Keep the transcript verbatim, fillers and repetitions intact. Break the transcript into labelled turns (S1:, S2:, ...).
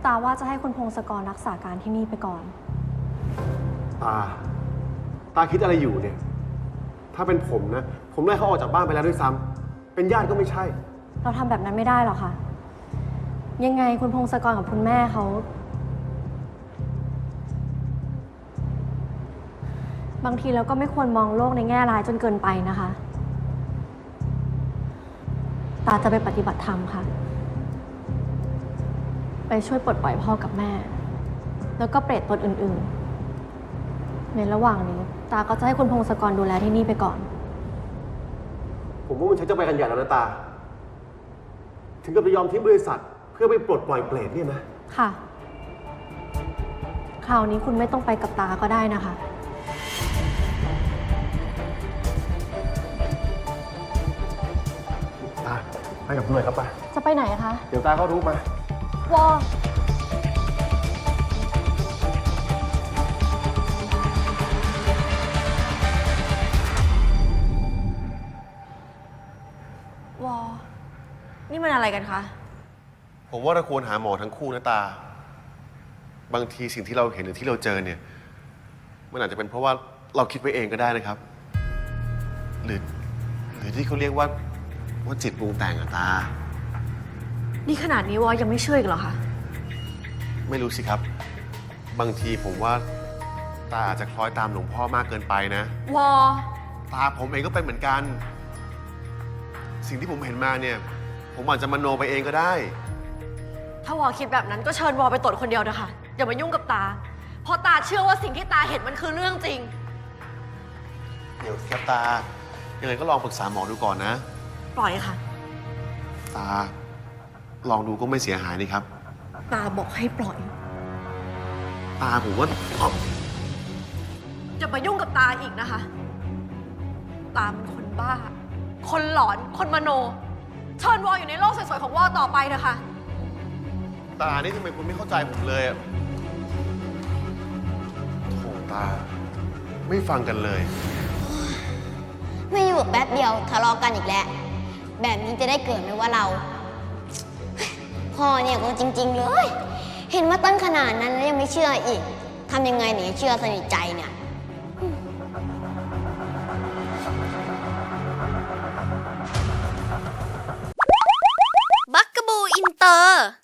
S1: ตาว่าจะให้คุณพงศกรรักษาการที่นี่ไปก่อน
S2: ตา ตาคิดอะไรอยู่เนี่ย ถ้าเป็นผมนะ ผมไล่เขาออกจากบ้านไปแล้วด้วยซ้ำเป็นญาติก็ไม่ใช่
S1: เราทำแบบนั้นไม่ได้หรอกค่ะ ยังไงคุณพงศกรกับคุณแม่เขา บางทีเราก็ไม่ควรมองโลกในแง่ร้ายจนเกินไปนะคะ ตาจะไปปฏิบัติธรรมค่ะ ไปช่วยปลดปล่อยพ่อกับแม่ แล้วก็เปรตตนอื่นๆ ในระหว่างนี้ ตาก็จะให้คุณพงศกรดูแลที่นี่ไปก่อน
S2: ผมว่ามันใช้จะไปกันใหญ่แล้วนะตา ถึงกับจะยอมทิ้งบริษัท เพื่อไปปลดปล่อยเปรตเนี่ยนะ
S1: ค่ะ คราวนี้คุณไม่ต้องไปกับตาก็ได้นะคะ
S2: ตา ไปกับด้วยครับไป
S1: จะไปไหนคะ
S2: เดี๋ยวตาก็รู้มา
S1: วอวอนี่มันอะไรกันคะ
S2: ผมว่าเราควรหาหมอทั้งคู่นะตา บางทีสิ่งที่เราเห็นหรือที่เราเจอเนี่ย มันอาจจะเป็นเพราะว่าเราคิดไปเองก็ได้นะครับ หรือ หรือที่เขาเรียกว่าว่าจิตปรุงแต่งอะตา
S1: นี่ขนาดนี้วอยังไม่เชื่ออีกเหรอคะ
S2: ไม่รู้สิครับ บางทีผมว่าตาอาจจะคล้อยตามหลวงพ่อมากเกินไปนะ
S1: วอ
S2: ตาผมเองก็เป็นเหมือนกัน สิ่งที่ผมเห็นมาเนี่ย ผมอาจจะมโนไปเองก็ได้
S1: ถ้าวอคิดแบบนั้นก็เชิญวอไปตรวจคนเดียวนะคะอย่ามายุ่งกับตา เพราะตาเชื่อว่าสิ่งที่ตาเห็นมันคือเรื่องจริง
S2: เดี๋ยวครับตา ยังไงก็ลองปรึกษาหมอดูก่อนนะ
S1: ปล่อยค่ะ
S2: ตา ลองดูก็ไม่เสียหายนี่ครับ
S1: ตาบอกให้ปล่อย
S2: ตาผมว่าอ๋อ
S1: อย่ามายุ่งกับตาอีกนะคะ ตาเป็นคนบ้า คนหลอน คนมโน เชิญวออยู่ในโลกสวยๆของวอต่อไปเถอะค่ะ
S2: ตานี่ทำไมคุณไม่เข้าใจผมเลยอะโถตา ไม่ฟังกันเลย
S3: ไม่อยู่แป๊บเดียวทะเลาะกันอีกแล้ว แบบนี้จะได้เกิดไหมว่าเรา พ่อเนี่ยก็จริง ๆ เลย เห็นว่าตั้งขนาดนั้นแล้วยังไม่เชื่ออีกทำยังไงหนีเชื่อสนิทใจเนี่ย
S4: บักกะบูอินเตอร์